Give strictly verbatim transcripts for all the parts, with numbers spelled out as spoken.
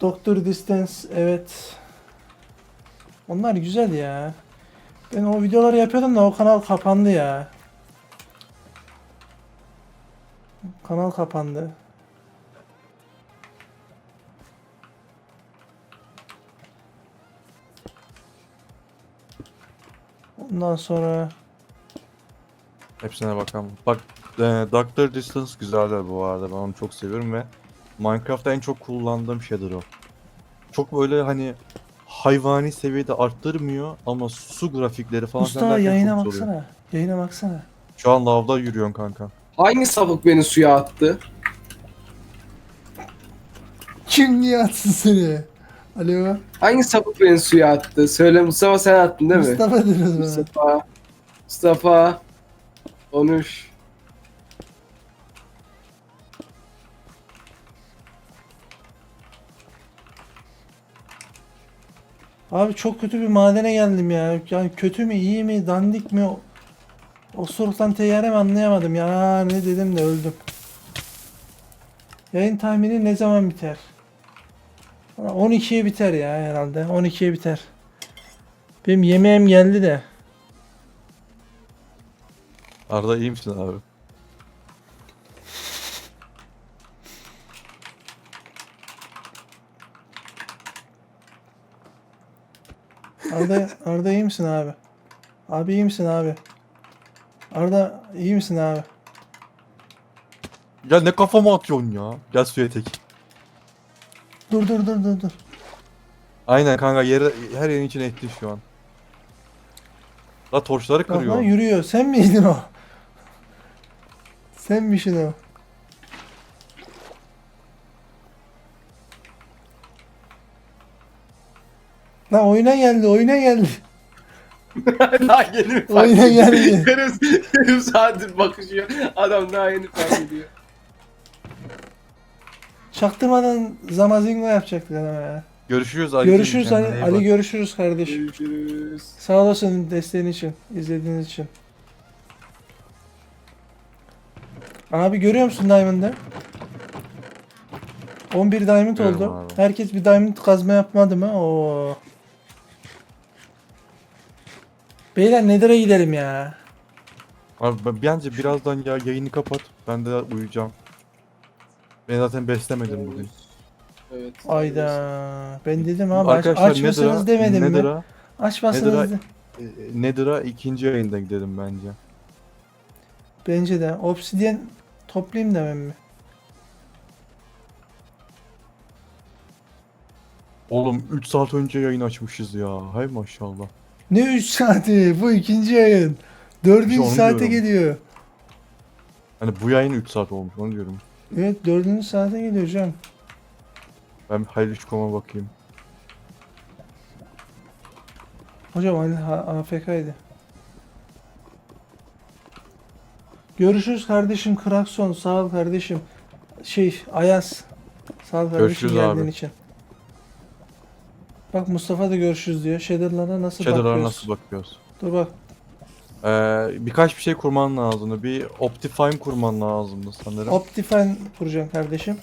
Doktor Distance, evet. Onlar güzel ya. Ben o videoları yapıyordum da o kanal kapandı ya. Kanal kapandı. Ondan sonra Hepsine bakalım. Bak e, Doctor Distance güzeldir bu arada. Ben onu çok seviyorum ve Minecraft'ta en çok kullandığım şeydir o. Çok böyle hani hayvani seviyede arttırmıyor ama su grafikleri falan filan Mustafa derken çok yayına güzel oluyor. baksana. Yayına baksana. Şu an lavda yürüyorsun kanka. Hangi sapık beni suya attı? Kim niye atsın seni? Alo. Hangi sapık beni suya attı? Söyle Mustafa, sen attın değil mi? Mustafa diyoruz bana. Mustafa. Mustafa. Konuş. Abi çok kötü bir madene geldim ya. Yani kötü mü, iyi mi, dandik mi? O- Osuruktan teyyare mi anlayamadım ya. Ne dedim de öldüm. Yayın tahmini ne zaman biter? on ikiye biter ya herhalde. on ikiye biter. Benim yemeğim geldi de. Arda iyi misin abi? Arda, Arda iyi misin abi? Abi iyi misin abi? Arda iyi misin abi? Ya ne kafama atıyorsun ya? Gel suya tek. Dur dur dur dur dur. Aynen kanka yere, her yerin içine etti şu an. La torçları Bak lan kırıyor. yürüyor. Sen miydin o? Sen misin o? Lan oyuna geldi, oyuna geldi. Daha yeni mi fark Oyuna ediyor? geldi. Yarım, yarım saattir bakışıyor. Adam daha yeni fark ediyor. Çaktırmadan Zamazingo yapacaktık adama ya. Görüşürüz Ali. Görüşürüz Ali, Kendine iyi Ali bak. görüşürüz kardeşim. Görüşürüz. Sağ olasın desteğin için, izlediğiniz için. Abi görüyor musun Diamond'ı? on bir Diamond Görüyorum oldu. abi. Herkes bir Diamond kazma yapmadı mı? Oo. Beyler Nether'a gidelim ya. Abi ben- bence birazdan ya yayını kapat. Ben de uyuyacağım. Ben zaten beslemedim bugün. Evet. Ayda. Ben dedim abi aç, Arkadaşlar açmasanız Nether'a, demedim mi? Nether'a, Açmasanız Nether'a, de. e, Nether'a ikinci yayında gidelim bence. Bence de. Obsidian toplayayım demem mi? Oğlum üç saat önce yayın açmışız ya. Hay maşallah. Ne üç saati? Bu ikinci yayın. İşte dördüncü onu saate diyorum. geliyor. Hani bu yayın üç saat olmuş onu diyorum. Evet dördüncü saate geliyor hocam. Ben bir hayırlı koma bakayım. Hocam Ali A F K'ydı. Görüşürüz kardeşim Krakson. Sağ ol kardeşim. Şey Ayaz. Sağ ol kardeşim Görüşürüz geldiğin abi. için. Bak Mustafa da görüşürüz diyor. Shader'lara nasıl Shader'lara bakıyoruz? nasıl bakıyoruz? Dur bak. Ee, birkaç bir şey kurman lazımdı. Bir Optifine kurman lazımdı sanırım. Optifine kuracağım kardeşim.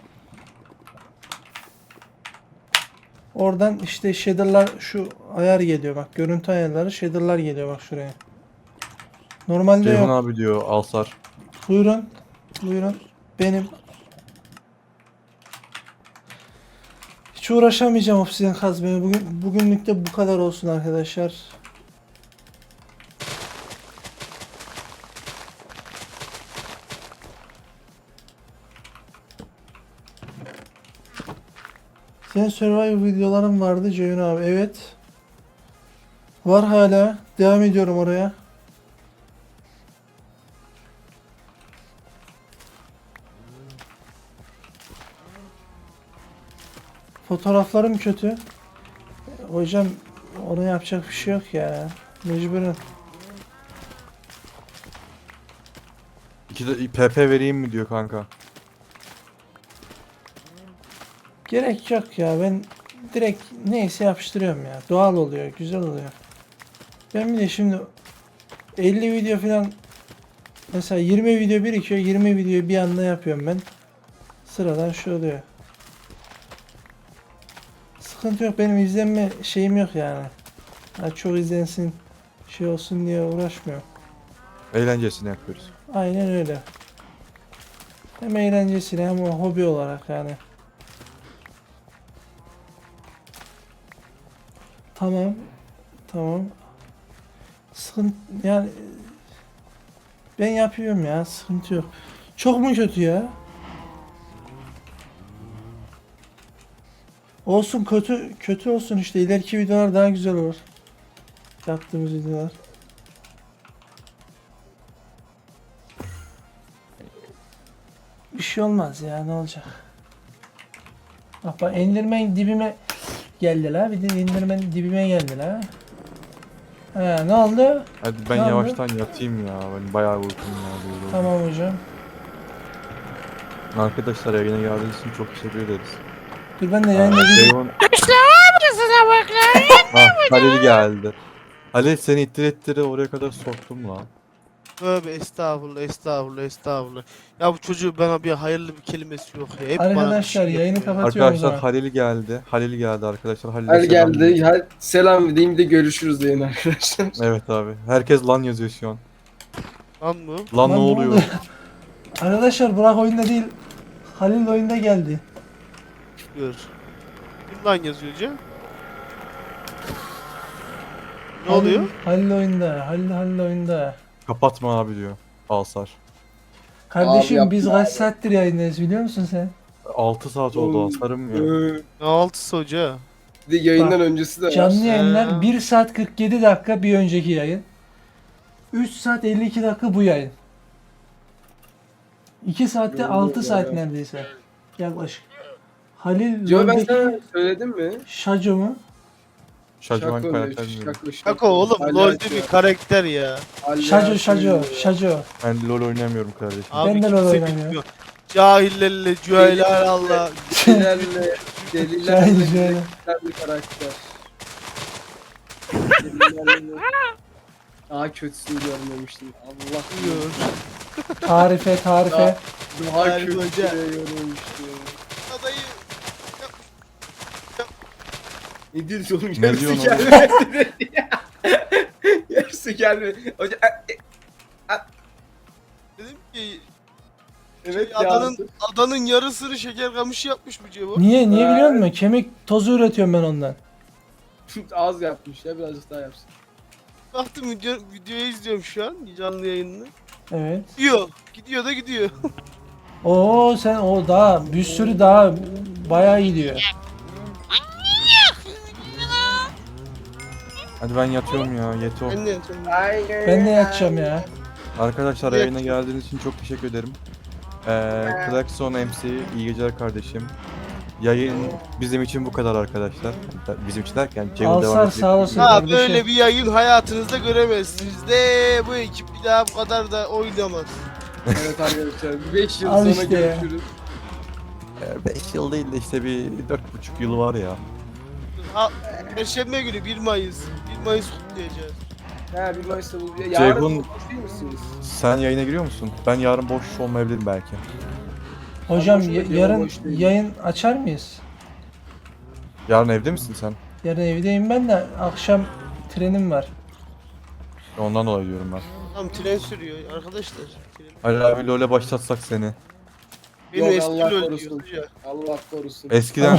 Oradan işte shader'lar şu ayar geliyor bak. Görüntü ayarları shader'lar geliyor bak şuraya. Normalde Ceyhun yok. abi diyor Alsar. Buyurun. Buyurun. Benim. Hiç uğraşamayacağım obsidian kazmaya. Bugün bugünlük de bu kadar olsun arkadaşlar. Senin survival videoların vardı Ceyhun abi. Evet. Var hala. Devam ediyorum oraya. Fotoğraflarım kötü. Hocam ona yapacak bir şey yok ya. Mecburen. İki de P P vereyim mi diyor kanka. Gerek yok ya. Ben direkt neyse yapıştırıyorum ya. Doğal oluyor. Güzel oluyor. Ben bir de şimdi elli video falan mesela yirmi video birikiyor. yirmi videoyu bir anda yapıyorum ben. Sıradan şu oluyor. Sıkıntı yok. Benim izlenme şeyim yok yani. Ha, çok izlensin şey olsun diye uğraşmıyorum. Eğlencesini yapıyoruz. Aynen öyle. Hem eğlencesine hem o hobi olarak yani. Tamam. Tamam. Sıkıntı yani ben yapıyorum ya, sıkıntı yok. Çok mu kötü ya? Olsun, kötü kötü olsun işte, ileriki videolar daha güzel olur. Yaptığımız videolar. Bir şey olmaz ya, ne olacak? Bak bak, Enderman dibime geldi la, bir de Enderman dibime geldi la. He, ne oldu? Hadi ben Ne oldu? yavaştan yatayım ya. Ben bayağı uykum var. Tamam hocam. Arkadaşlar yayına geldiğiniz için çok teşekkür ederiz. Dur ben de Aa, yayında video... Ceyhun... Ah, Halil geldi. Halil seni ittir ittire oraya kadar soktum lan. Tövbe estağfurullah estağfurullah estağfurullah. Ya bu çocuğu bana bir hayırlı bir kelimesi yok ya. Hep bana bir Arkadaşlar şey yayını yapıyor ya. kapatıyorum o Arkadaşlar zaman. Halil geldi. Halil geldi arkadaşlar. Halil'e Hadi selam geldi. verin. Hadi selam diyeyim de görüşürüz deyin arkadaşlar. Evet abi. Herkes lan yazıyor şu an. Lan mı? Lan, Lan ne ne oluyor? oldu? Arkadaşlar Burak oyunda değil. Halil oyunda geldi. Gör. Kim lan yazıyor hocam? Ne Halil- oluyor? Halil oyunda. Halil Halil oyunda. Kapatma abi diyor. Alsar. Kardeşim yapma biz abi. kaç saattir yayındayız biliyor musun sen? altı saat oldu Alsar'ım ya. Ee, Ne altısı hoca? Bir de yayından öncesi de var. Canlı yayınlar Ha. bir saat kırk yedi dakika bir önceki yayın. üç saat elli iki dakika bu yayın. iki saatte Doğru altı ya. saat neredeyse. Yaklaşık. Halil Yo, ben LoL'deki sana söyledim mi? Şaco mu? Şaşırman Şako, karakter mi? şako, Kako oğlum Hala LoL'de açıyor. bir karakter ya. Hala Şaco Şaco açıyor. Şaco. Ben LoL oynamıyorum kardeşim. Abi Ben de kimse LoL oynamıyorum. bilmiyor. Cahillerle cüheyler Allah. Delilerle, delilerle, Şahin şöyle. delilerle karakter. Delilerle- Daha kötüsünü görmemiştim. Allah Diyor. Tarife tarife. Daha Harbi kötüsünü hoca. görmemiştim. Adayı Ne diyorsun oğlum? Ne Yarısı diyorsun gelmedi. Yarısı gelmedi. Hoca e, e, dedim ki evet ya. adanın adanın yarısını şeker kamışı yapmış bu Cevo. Niye niye Ha. biliyor musun? Kemik tozu üretiyorum ben ondan. Az yapmış ya, birazcık daha yapsın. Baktım video, videoyu izliyorum şu an canlı yayını. Evet. Gidiyor. Gidiyor da gidiyor. Oo sen o daha bir sürü daha bayağı iyi diyor. Hadi ben yatıyorum ya. Yeto. Ben de Ben de yatacağım ya. Arkadaşlar Evet. yayına geldiğiniz için çok teşekkür ederim. Ee, Klaxon M C iyi geceler kardeşim. Yayın bizim için bu kadar arkadaşlar. Bizim için derken Ceyhun devam Alsar edecek. sağ olasın. Ha kardeşim. böyle bir yayın hayatınızda göremezsiniz de bu ekip bir daha bu kadar da oynamaz. Evet arkadaşlar, beş yıl Al sonra işte ya. görüşürüz. beş yıl değil de işte bir dört buçuk yılı var ya. Ha, Perşembe günü bir Mayıs. bir Mayıs kutlayacağız. Ha, bir Mayıs'ta bu. Ya, Ceyhun- yarın boş değil misiniz? Sen yayına giriyor musun? Ben yarın boş olmayabilirim belki. Hocam boşuna ya- diyorum, yarın boş değilim. yayın açar mıyız? Yarın evde misin sen? Yarın evdeyim ben de, akşam trenim var. Ondan dolayı diyorum ben. Tam tren sürüyor arkadaşlar. Tren. Ali abi LoL'e başlatsak seni. Benim Yok, eski Allah LoL korusun. diyordu ya. Allah korusun. Eskiden